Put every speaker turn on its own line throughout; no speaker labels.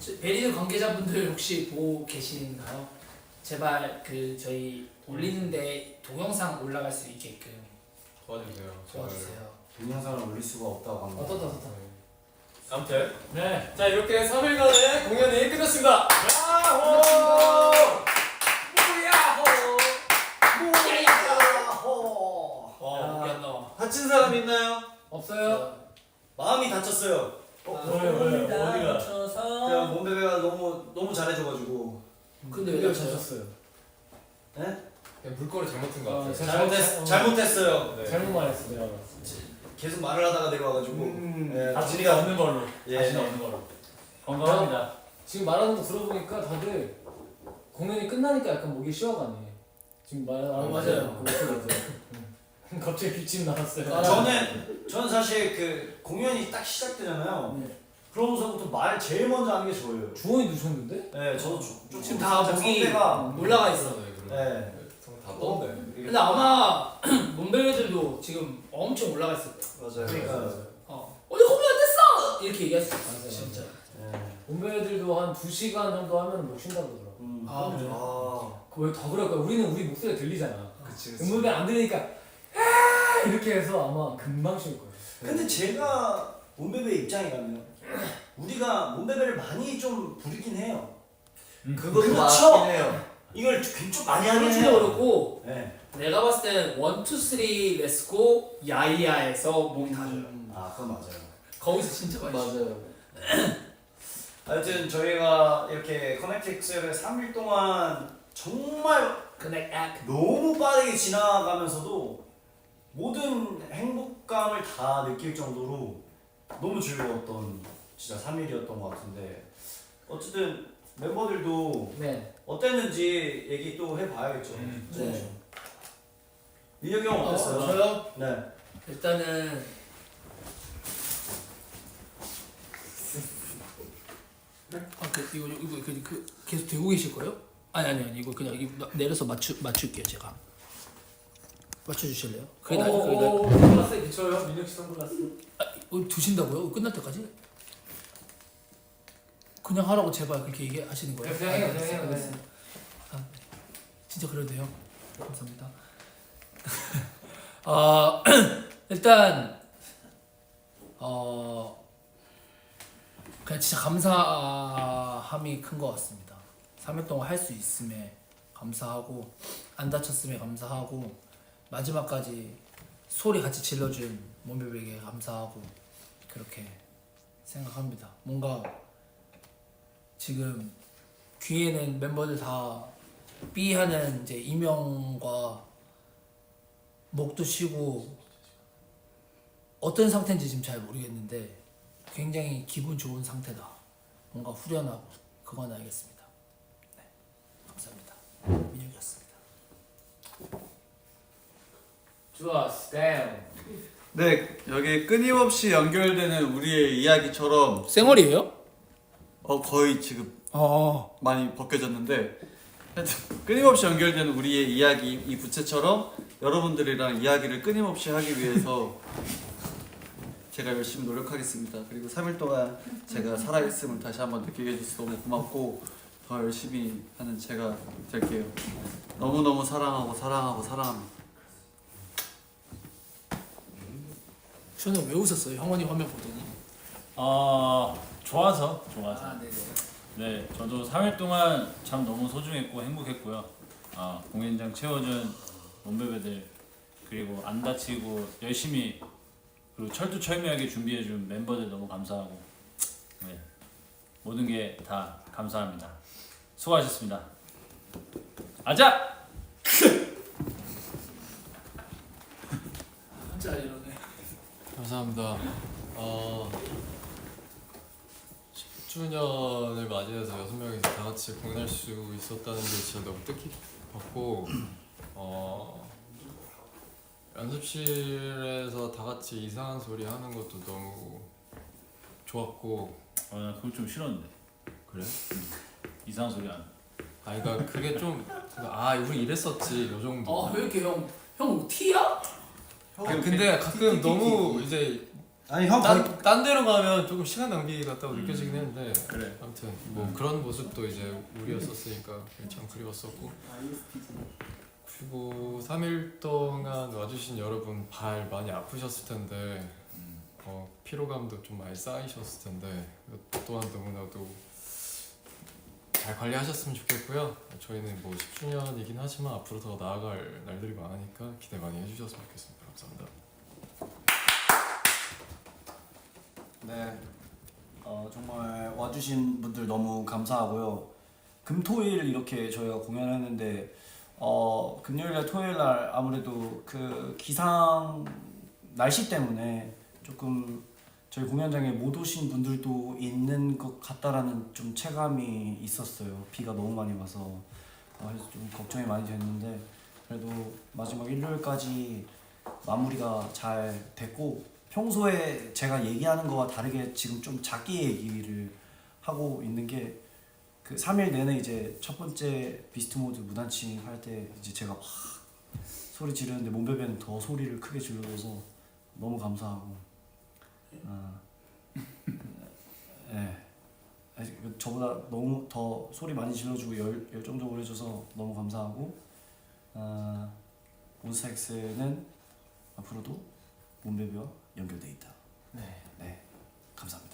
베리드 관계자분들 혹시 보고 계신가요? 제발 그 저희 올리는데 동영상 올라갈 수 있게끔
도와주세요.
도와주세요.
동영상을 올릴 수가 없다고 합니다.
어떠다.
아무튼 네, 자 이렇게 3일간의 공연이 끝났습니다. 야호!
야호! 다친 사람 있나요?
없어요?
마음이 다쳤어요.
왜요? 어디가?
그냥 몸베베가 너무 잘해줘가지고.
근데 왜 다쳤어요?
네?
그냥 물꼬를 잘못 튼 것 같아요.
잘못했어요.
네.
잘못 말했어 내가.
계속 말을 하다가 내려와가지고. 예,
다시는 없는 걸로.
예.
다시는 없는 걸로. 건강합니다. 지금 말하는 거 들어보니까 다들 공연이 끝나니까 약간 목이 쉬어가네. 지금
맞아요.
맞아요. 갑자기 기침 나왔어요.
저는 사실 그 공연이 딱 시작되잖아요.
네.
그러면서부터 말 제일 먼저 하는 게 저예요.
주원이 누셨는데?
네, 저도
지금 다 목이
성대가
올라가 있어.
네.
다 떴네.
근데 아마 몸베베들도 지금 엄청 올라가 있을 거예요.
맞아요.
그러니까.
어디 공연 안 됐어! 이렇게 얘기할 수 있어.
맞아요.
진짜.
네.
몸베들도 한 2시간 정도 하면 못 쉰다고 그러더라고.
아, 그래요?
그걸 더 그럴 거야. 우리는 우리 목소리가 들리잖아.
그치.
음악이 안 들리니까 아 이렇게 해서 아마 금방 쉴 거예요.
근데 제가 몸베베 입장이라면 우리가 몸베베를 많이 좀 부리긴 해요.
그것도
그렇죠.
맞긴 해요.
이걸 좀 많이 하긴
그렇지도
해요.
그렇고
네.
내가 봤을 때는 1, 2, 3 렛츠고 야이야에서 목이 다 줘요.
아, 그건 맞아요.
거기서 진짜 많이 쉬어요.
맞아요.
하여튼 저희가 이렇게 커넥트 엑셀을 3일 동안 정말 너무 빠르게 지나가면서도 모든 행복감을 다 느낄 정도로 너무 즐거웠던 진짜 3일이었던 것 같은데 어쨌든 멤버들도
네.
어땠는지 얘기 또 해봐야겠죠.
네.
민혁이 형 어땠어요?
저요?
네.
일단은 이거 계속 되고 계실 거예요? 아니 이거 그냥 이거 내려서 맞출게요 제가. 맞춰주실래요? 그게 나요? 그게 나요?
선글라스에 비춰요. 민혁 씨 선글라스.
두신다고요? 끝날 때까지? 그냥 하라고 제발 그렇게 얘기하시는 거예요?
그냥 해요, 그냥 해요,
알겠어요. 아, 네. 진짜 그래도 돼요? 감사합니다. 일단 그냥 진짜 감사함이 큰 것 같습니다. 3일 동안 할 수 있음에 감사하고 안 다쳤음에 감사하고 마지막까지 소리 같이 질러준 몸베베에게 감사하고 그렇게 생각합니다. 뭔가 지금 귀에는 멤버들 다 삐하는 이제 이명과 목도 쉬고 어떤 상태인지 지금 잘 모르겠는데 굉장히 기분 좋은 상태다. 뭔가 후련하고 그건 알겠습니다. 네, 감사합니다. 민혁이었습니다.
좋았어. damn.
네, 여기 끊임없이 연결되는 우리의 이야기처럼
쌩얼이에요?
거의 지금
어.
많이 벗겨졌는데 하여튼 끊임없이 연결되는 우리의 이야기 이 부채처럼 여러분들이랑 이야기를 끊임없이 하기 위해서 제가 열심히 노력하겠습니다. 그리고 3일 동안 제가 살아있음을 다시 한번 느끼게 해줘서 너무 고맙고 더 열심히 하는 제가 될게요. 너무너무 사랑하고 사랑합니다.
저는 왜 웃었어요? 형원이 화면 보더니.
좋아서.
네네.
네, 저도 3일 동안 참 너무 소중했고 행복했고요. 공연장 채워준 몸베베들 그리고 안 다치고 열심히 그리고 철두철미하게 준비해준 멤버들 너무 감사하고 네, 모든 게 다 감사합니다. 수고하셨습니다. 아자!
진짜 이러네.
감사합니다. 10주년을 맞이해서 6명이서 다 같이 공연할 수 있었다는 게 진짜 너무 뜻깊었고 연습실에서 다 같이 이상한 소리 하는 것도 너무 좋았고
나 그걸 좀 싫었는데.
그래?
이상한 소리 안.
그러니까 그게 좀 우리 이랬었지 요 정도.
왜 이렇게 형 티야?
근데 가끔 너무 이제
아니 형 거의
딴 데로 가면 조금 시간 낭비 같다고 느껴지긴 했는데
그래.
아무튼 뭐 그런 모습도 이제 우리였었으니까 참 그리웠었고 그리고 3일 동안 와주신 여러분 발 많이 아프셨을 텐데 피로감도 좀 많이 쌓이셨을 텐데 이것 또한 너무나도 잘 관리하셨으면 좋겠고요. 저희는 뭐 10주년이긴 하지만 앞으로 더 나아갈 날들이 많으니까 기대 많이 해주셨으면 좋겠습니다. 감사합니다.
네, 정말 와주신 분들 너무 감사하고요. 금토일 이렇게 저희가 공연했는데 금요일날 토요일날 아무래도 그 기상 날씨 때문에 조금 저희 공연장에 못 오신 분들도 있는 것 같다라는 좀 체감이 있었어요. 비가 너무 많이 와서 그래서 좀 걱정이 많이 됐는데 그래도 마지막 일요일까지 마무리가 잘 됐고 평소에 제가 얘기하는 거와 다르게 지금 좀 작게 얘기를 하고 있는 게 그 3일 내내 이제 첫 번째 비스트 모드 무단침 할 때 이제 제가 막 소리 지르는데 몸베베는 더 소리를 크게 질러줘서 너무 감사하고 네. 저보다 너무 더 소리 많이 질러주고 열정적으로 해줘서 너무 감사하고 몬스타엑스는 앞으로도 몸베베와 연결돼 있다. 네, 감사합니다.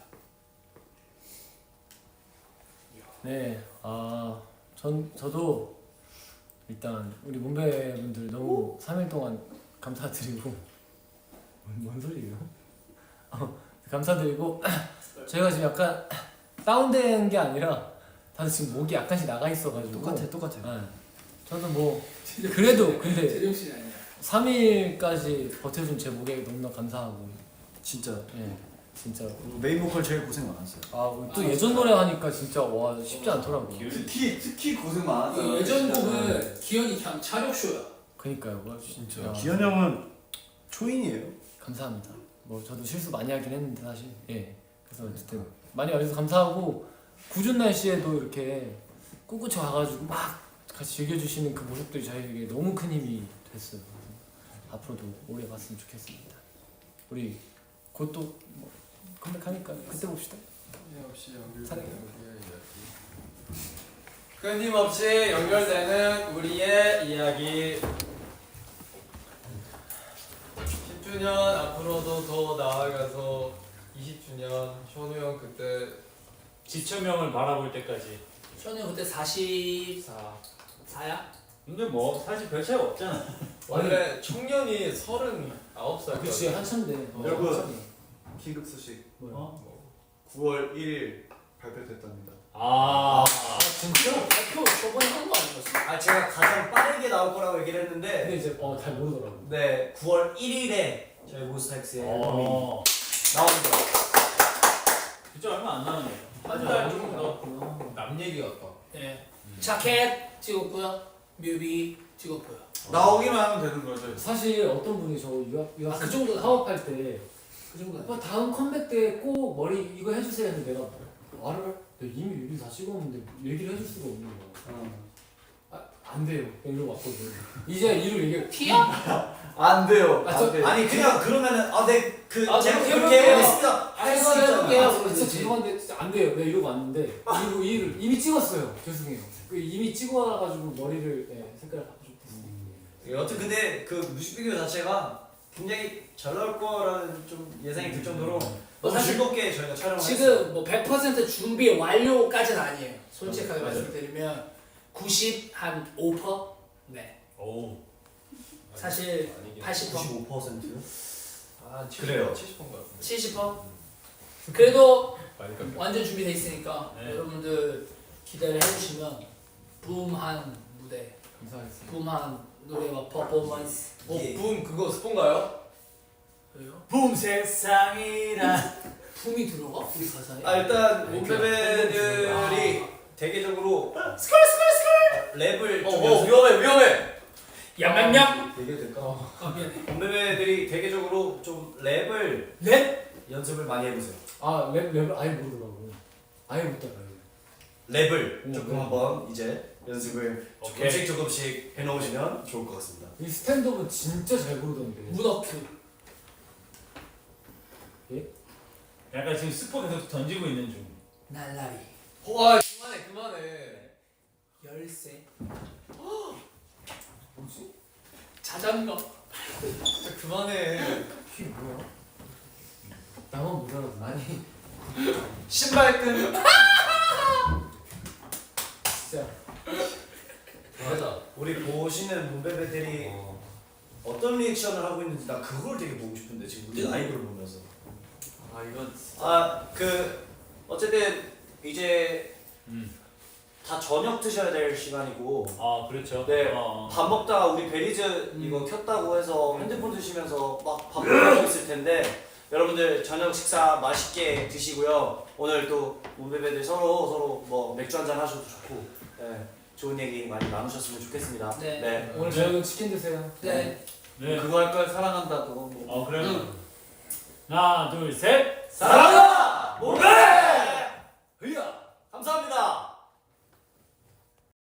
네, 저도 일단 우리 문배 분들 너무 3일 동안 감사드리고 뭔 소리예요? 감사드리고 저희가 지금 약간 다운된 게 아니라 다들 지금 목이 약간씩 나가 있어가지고
똑같아.
네. 저도 뭐 그래도 근데
제정신이 아니야.
3일까지 버텨준 제 목에 너무나 감사하고
진짜
예, 진짜
메인 보컬 제일 고생 많았어요.
또 예전 노래 하니까 진짜 와 쉽지 않더라고요.
특히 고생
그
많았어요.
예전 곡은 기현이 그냥 차력쇼야.
그니까요, 뭐
진짜.
야,
기현 형은 초인이에요.
감사합니다. 뭐 저도 실수 많이 하긴 했는데 사실 그래서 어쨌든 많이 와주셔서 감사하고 궂은 날씨에도 이렇게 꿋꿋이 와가지고 막 같이 즐겨주시는 그 모습들이 저희에게 너무 큰 힘이 됐어요. 그래서 앞으로도 오래 봤으면 좋겠습니다. 우리 곧 또 뭐 컴백하니까 그때 봅시다.
끊임없이 연결되는 끊임없이 연결되는 우리의 이야기 10주년 앞으로도 더 나아가서 20주년 현우 형 그때
지천명을 바라볼 때까지.
현우 그때 44야?
근데 뭐 사실 별 차이가 없잖아.
원래 청년이 39살
그치 한참인데
여러분. 긴급 소식.
뭐야?
9월 1일 발표됐답니다.
아,
진짜? 발표 저번에 한 거 아니었어?
제가 가장 빠르게 나올 거라고 얘기를 했는데
근데 이제 잘 모르더라고.
네, 9월 1일에 저희 몬스타엑스의 앨범이 나옵니다.
진짜 얼마 안 남았네.
맞아.
남 얘기 같다.
예. 자켓 찍었고요. 뮤비 찍었고요.
나오기만 하면 되는 거죠.
사실 어떤 분이 저 유학
그 정도다.
사업할 때
그 정도.
오빠 다음 컴백 때 꼭 머리 이거 해주세요 했는데 내가 말을 내가 이미 뮤비 다 찍었는데 얘기를 해줄 수가 없는 거야. 안 돼요. 이러고 왔거든. 이제 이를 얘기해.
티야?
안 돼요.
안 돼.
아니 그냥 그러면은 제가
제가
그렇게
해볼게요.
했습니다. 할 수
해볼게요.
있잖아.
진짜 죄송한데 진짜 안 돼요. 내가 이러고 왔는데 이를 이미 찍었어요. 죄송해요. 이미 찍어가지고 머리를 색깔을 바꿔줬거든요.
여튼 근데 그 뮤직비디오 자체가 굉장히 잘 나올 거라는 좀 예상이 들 정도로 너무
사실
즐겁게 저희가 촬영을 했어요.
지금 뭐 100% 준비 완료까지는 아니에요. 솔직하게 말씀드리면 95%? 네.
오.
사실 80%?
95%요?
그래요. 70%인 것 같은데.
70%? 그래도
많이 깎여.
완전 준비돼 있으니까
네.
여러분들 기대를 해주시면 붐한 무대,
감사하겠습니다.
붐한 노래와 퍼포먼스.
붐 그거 스폰가요?
왜요?
붐 세상이라.
붐이 들어가? 우리 가사에?
일단
네,
몸베베들이 대개적으로 랩을 좀
위험해.
얌얌얌!
얘기해도 될까?
미안해.
몸베베들이 대개적으로 좀 랩을
랩?
연습을 많이 해보세요.
랩을 아예 모르더라고. 아예 못 따라요.
랩을 조금
네.
한번 이제 연습을
오케이.
조금씩 해놓으시면 좋을 것 같습니다.
이 스탠드업은 진짜 잘 부르던데.
문어큐.
약간 지금 스포 계속 던지고 있는 중.
날라리
와 그만해.
열쇠
뭐지?
자전거
진짜 그만해. 이게 뭐야? 나만 못 알아듣네. 아니
신발끈.
진짜.
맞아. 우리 보시는 문베베들이 어떤 리액션을 하고 있는지 나 그걸 되게 보고 싶은데 지금 우리 라이브를 보면서.
아 이건
그 어쨌든 이제 다 저녁 드셔야 될 시간이고.
아 그렇죠.
네. 밥 먹다가 우리 베리즈 이거 켰다고 해서 핸드폰 드시면서 막 밥 먹고 있을 텐데 여러분들 저녁 식사 맛있게 드시고요. 오늘 또 문베베들 서로 뭐 맥주 한잔 하셔도 좋고, 네, 좋은 얘기 많이 나누셨으면 좋겠습니다.
네.
오늘 저녁은 치킨 드세요.
네.
네.
그거 할 걸 사랑한다 그거 뭐.
그러면 하나 둘 셋.
사랑한다 문베베.
흐야.
감사합니다.